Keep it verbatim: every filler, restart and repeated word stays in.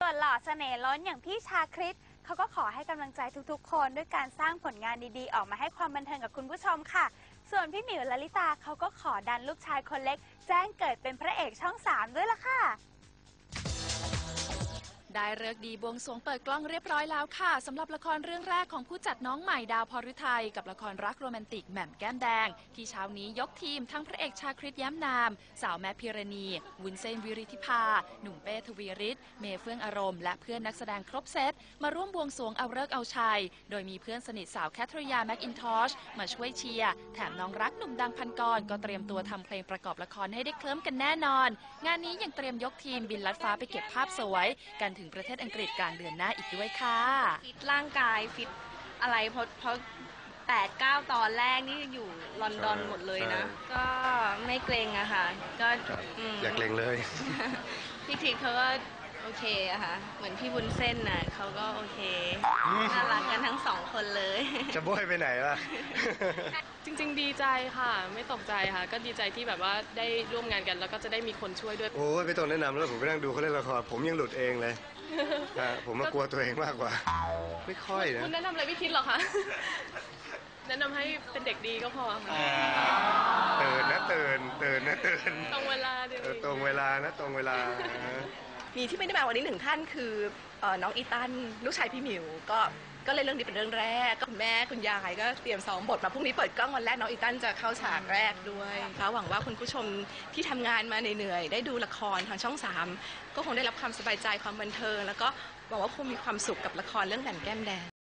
ส่วนหล่อเสน่ห์ล้นอย่างพี่ชาคริตเขาก็ขอให้กำลังใจทุกๆคนด้วยการสร้างผลงานดีๆออกมาให้ความบันเทิงกับคุณผู้ชมค่ะส่วนพี่หมิวลลิตาเขาก็ขอดันลูกชายคนเล็กแจ้งเกิดเป็นพระเอกช่องสามด้วยล่ะค่ะได้ฤกษ์ดีบวงสรวงเปิดกล้องเรียบร้อยแล้วค่ะสำหรับละครเรื่องแรกของผู้จัดน้องใหม่ดาวพรฤทัยกับละครรักโรแมนติกแหม่มแก้มแดงที่เช้านี้ยกทีมทั้งพระเอกชาคริตแย้มนามสาวแมทพิรณีวุ้นเส้นวิริธิภาหนุ่มเป้ทวีฤทธิ์เมย์เฟื่องอารมณ์และเพื่อนนักแสดงครบเซตมาร่วมบวงสรวงเอาฤกษ์เอาชัยโดยมีเพื่อนสนิทสาวแคทริยาแม็กอินทอชมาช่วยเชียร์แถมน้องรักหนุ่มดังพันกรก็เตรียมตัวทำเพลงประกอบละครให้ได้เคลิ้มกันแน่นอนงานนี้ยังเตรียมยกทีมบินลัดฟ้าไปเก็บภาพสวยกันถึงประเทศอังกฤษกลางเดือนหน้าอีกด้วยค่ะฟิตร่างกายฟิตอะไรเพราะเพราะแปดเก้าตอนแรกนี่อยู่ลอนดอนหมดเลยนะก็ไม่เกรงอะค่ะก็อยากเกรงเลยพี่ทีเขาก็โอเคอะค่ะเหมือนพี่บุญเส้นน่ะเขาก็โอเคน่ารักกันทั้งสองคนเลยจะโบยไปไหนล่ะจริงๆดีใจค่ะไม่ตกใจค่ะก็ดีใจที่แบบว่าได้ร่วมงานกันแล้วก็จะได้มีคนช่วยด้วยโอ้ยไม่ต้องแนะนำแล้วผมไปนั่งดูเขาเล่นละครผมยังหลุดเองเลยผมมากลัวตัวเองมากกว่าไม่ค่อยนะคุณแนะนำอะไรไม่คิดหรอคะแนะนำให้เป็นเด็กดีก็พอค่ะเตือนนะเตือนเตือนนะเตือนตรงเวลาเดียวตรงเวลานะตรงเวลามีที่ไม่ได้มาวันนี้หนึ่งท่านคือน้องอีตันลูกชายพี่หมิวก็ก็เลยเรื่องนี้เป็นเรื่องแรกก็คุณแม่คุณยายก็เตรียมซ้อมบทมาพรุ่งนี้เปิดกล้องวันแรกน้องอีตันจะเข้าฉากแรกด้วยก็หวังว่าคุณผู้ชมที่ทำงานมาเหนื่อยๆได้ดูละครทางช่องสามก็คงได้รับความสบายใจความบันเทิงแล้วก็หวังว่าคงมีความสุขกับละครเรื่องแหม่มแก้มแดง